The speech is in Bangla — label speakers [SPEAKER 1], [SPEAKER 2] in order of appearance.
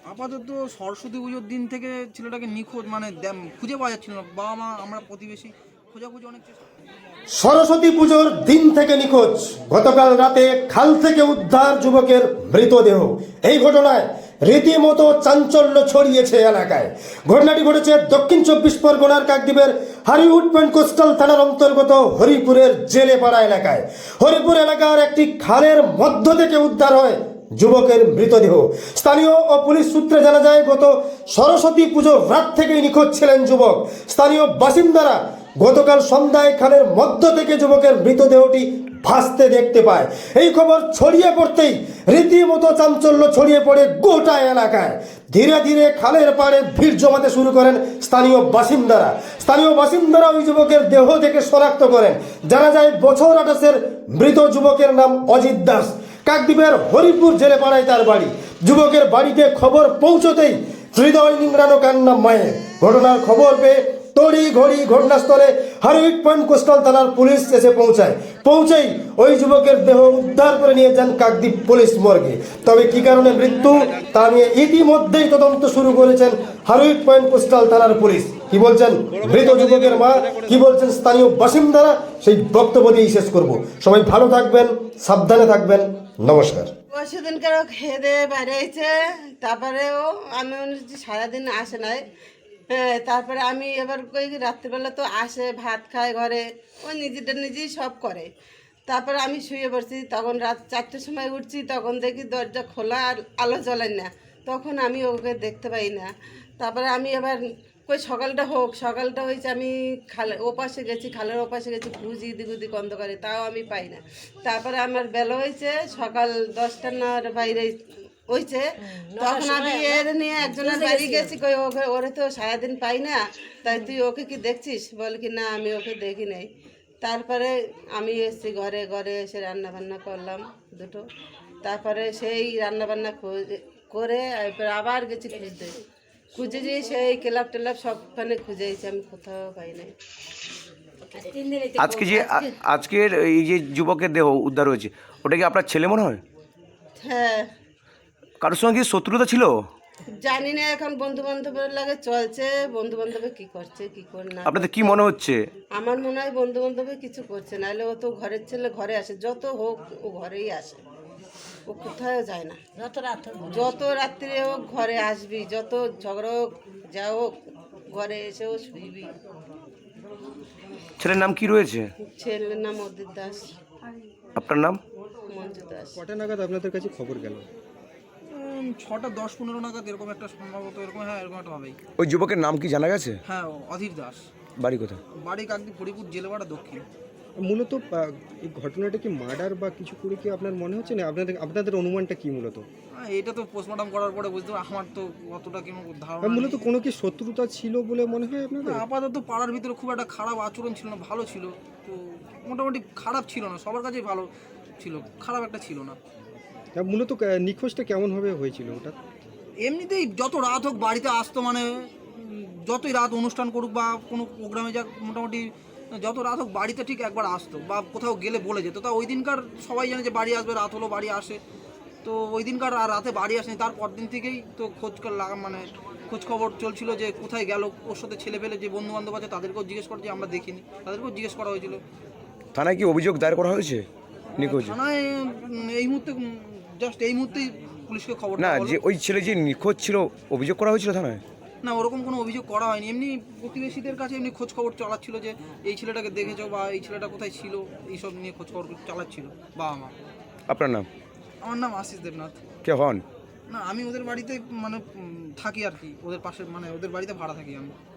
[SPEAKER 1] আপাতত সরস্বতী পুজোর দিন থেকে ছেলেটাকে নিখোঁজ মানে খুঁজে পাওয়া যাচ্ছিল না। বাবা মা আমরা প্রতিবেশী খোঁজাখুঁজি অনেক চেষ্টা।
[SPEAKER 2] সরস্বতী পুজোর দিন থেকে নিখোঁজ, গতকাল রাতে খাল থেকে উদ্ধার যুবকের মৃতদেহ। এই ঘটনায় রীতিমতো চাঞ্চল্য ছড়িয়েছে এলাকায়। ঘটনাটি ঘটেছে দক্ষিণ 24 পরগনার কাকদ্বীপের হারিউড পয়েন্ট কোস্টাল থানার অন্তর্গত হরিপুরের জেলেপাড়া এলাকায়। হরিপুর এলাকার একটি খালের মধ্য থেকে উদ্ধার হয় যুবকের মৃতদেহ। স্থানীয় ও পুলিশ সূত্রে জানা যায়, গত সরস্বতী পুজোর রাত থেকেই নিখোঁজ ছিলেন যুবক। স্থানীয় বাসিন্দারা গতকাল সন্ধ্যায় খালের মধ্য থেকে যুবকের মৃতদেহটি ভাসতে দেখতে পায়। এই খবর ছড়িয়ে পড়তেই রীতিমতো চাঞ্চল্য ছড়িয়ে পড়ে গোটা এলাকায়। ধীরে ধীরে খালের পাড়ে ভিড় জমাতে শুরু করেন স্থানীয় বাসিন্দারা ওই যুবকের দেহ থেকে শনাক্ত করেন। জানা যায়, বছর 28-এর মৃত যুবকের নাম অজিত দাস। কাকদ্বীপের হরিপুর জেলেপাড়ায় তার বাড়ি। যুবকের বাড়িতে খবর পৌঁছতেই হৃদয় নিংড়ানো কান্না মায়ের। ঘটনার খবর পেয়ে তড়িঘড়ি ঘটনাস্থলে হারিউড পয়েন্ট কোস্টাল থানার পুলিশ এসে পৌঁছেই ওই যুবকের দেহ উদ্ধার করে নিয়ে যান কাকদ্বীপ পুলিশ মর্গে। তবে কি কারণে মৃত্যু তা নিয়ে ইতিমধ্যেই তদন্ত শুরু করেছেন হারিউড পয়েন্ট কোস্টাল থানার পুলিশ। কি বলছেন মৃত যুবকের মা, কি বলছেন স্থানীয় বাসিন্দারা, সেই বক্তব্য দিয়েই শেষ করব। সবাই ভালো থাকবেন, সাবধানে থাকবেন। নমস্কার।
[SPEAKER 3] সেদিনকার খেয়ে দিয়ে বাইরে হয়েছে, তারপরেও আমি মনে হচ্ছে সারাদিন আসে নাই। হ্যাঁ, তারপরে আমি এবার কই রাত্রিবেলা তো আসে, ভাত খায় ঘরে, ও নিজেটা নিজেই সব করে। তারপরে আমি শুয়ে পড়ছি, তখন রাত 4টের সময় উঠছি, তখন দেখি দরজা খোলা আর আলো জ্বলে না, তখন আমি ওকে দেখতে পাই না। তারপরে আমি এবার কই সকালটা হয়েছে, আমি খালের ওপাশে গেছি, খুঁজি দিগুদি অন্ধকারে, তাও আমি পাই না। তারপরে আমার বেলা হয়েছে সকাল 10টা বাইরে হয়েছে, তখন আমি এর নিয়ে একজনের বাড়ি গেছি, কই ওরে তো সারাদিন পাই না, তাই তুই ওকে কি দেখছিস? বলে কি না, আমি ওকে দেখি নাই। তারপরে আমি এসেছি ঘরে এসে রান্নাবান্না করলাম দুটো। তারপরে সেই রান্নাবান্না করে আবার গেছি খুঁজে যেয়ে সেই ক্লাব টেলাব সবখানে খুঁজেছি, আমি কোথাও পাই নাই।
[SPEAKER 4] আজকের এই যে যুবকের দেহ উদ্ধার হয়েছে, ওটা কি আপনার ছেলে মনে হয়?
[SPEAKER 3] হ্যাঁ।
[SPEAKER 4] কারোর সঙ্গে কি শত্রুতা ছিল?
[SPEAKER 3] জানি না, এখন বন্ধু বান্ধবের লাগে চলছে, বন্ধু বান্ধবে কি করছে কি করে না।
[SPEAKER 4] আপনাদের কি মনে হচ্ছে?
[SPEAKER 3] আমার মনে হয় বন্ধু বান্ধবে কিছু করছে, নাহলে ও তো ঘরের ছেলে, ঘরে আসে, যত হোক ও ঘরেই আসে, ও কোথাও যায় না। যত রাত্রে হোক ঘরে আসবি, যত ঝগড়া হোক যা হোক ঘরে এসেও শুইবি।
[SPEAKER 4] ছেলের নাম কি রয়েছে?
[SPEAKER 3] ছেলের নাম অজিত দাস।
[SPEAKER 4] আপনার নাম?
[SPEAKER 3] মঞ্জু দাস।
[SPEAKER 5] কটা নাগাদ আপনাদের কাছে খবর গেল?
[SPEAKER 1] 6টা 10-15 নাগাদ এরকম একটা সম্ভবত, এরকম হ্যাঁ এরকম একটা হবেই।
[SPEAKER 4] ওই যুবকের নাম কি জানা গেছে?
[SPEAKER 1] হ্যাঁ, অধীর দাস।
[SPEAKER 4] বাড়ি কোথায়?
[SPEAKER 1] বাড়ি কাকদ্বীপ হরিপুর জেলেপাড়া দক্ষিণ।
[SPEAKER 5] মূলত এই ঘটনাটা কি মার্ডার বা কিছু করে কি আপনার মনে হচ্ছে না? আপনাদের অনুমানটা কি মূলত?
[SPEAKER 1] এটা তো পোস্টমর্টম করার পরে বুঝতে পারবো, আমার তো অতটা কেন ধারণা
[SPEAKER 5] মূলত কোনো কি শত্রুতা ছিল বলে মনে হয় আপনাদের?
[SPEAKER 1] আপাতত পাড়ার ভিতরে খুব একটা খারাপ আচরণ ছিল না, ভালো ছিল তো, মোটামুটি খারাপ ছিল না, সবার কাছেই ভালো ছিল, খারাপ একটা ছিল না।
[SPEAKER 5] মূলত নিখোঁজটা কেমনভাবে হয়েছিল ওটা?
[SPEAKER 1] এমনিতেই যত রাত হোক বাড়িতে আসতো, মানে যতই রাত অনুষ্ঠান করুক বা কোনো প্রোগ্রামে যাক, মোটামুটি যত রাত হোক বাড়িতে ঠিক একবার আসতো, বা কোথাও গেলে বলে যেত। তা ওই দিনকার সবাই জানে যে বাড়ি আসবে, রাত হলো বাড়ি আসে, তো ওই দিনকার আর রাতে বাড়ি আসেনি। তারপর দিন থেকেই তো খোঁজ খবর চলছিল যে কোথায় গেল। ওর সাথে ছেলে পেলে যে বন্ধু বান্ধব আছে তাদেরকেও জিজ্ঞেস করছে, আমরা দেখিনি, তাদেরকেও জিজ্ঞেস করা হয়েছিল।
[SPEAKER 4] থানায় কি অভিযোগ দায়ের করা হয়েছে নিখোঁজ?
[SPEAKER 1] থানায় এই মুহূর্তেই পুলিশকে খবর
[SPEAKER 4] না, যে ওই ছেলে যে নিখোঁজ ছিল, অভিযোগ করা হয়েছিল থানায়?
[SPEAKER 1] না, ওরকম কোনো অভিযোগ করা হয়নি। এমনি প্রতিবেশীদের কাছে এমনি খোঁজ খবর চালাচ্ছিল যে এই ছেলেটাকে দেখেছো বা এই ছেলেটা কোথায় ছিল, এইসব নিয়ে খোঁজ খবর চালাচ্ছিল বাবা মা।
[SPEAKER 4] আপনার নাম?
[SPEAKER 1] আমার নাম আশিস দেবনাথ।
[SPEAKER 4] কে হন?
[SPEAKER 1] না, আমি ওদের বাড়িতে মানে থাকি আর কি, ওদের পাশে, মানে ওদের বাড়িতে ভাড়া থাকি আমি।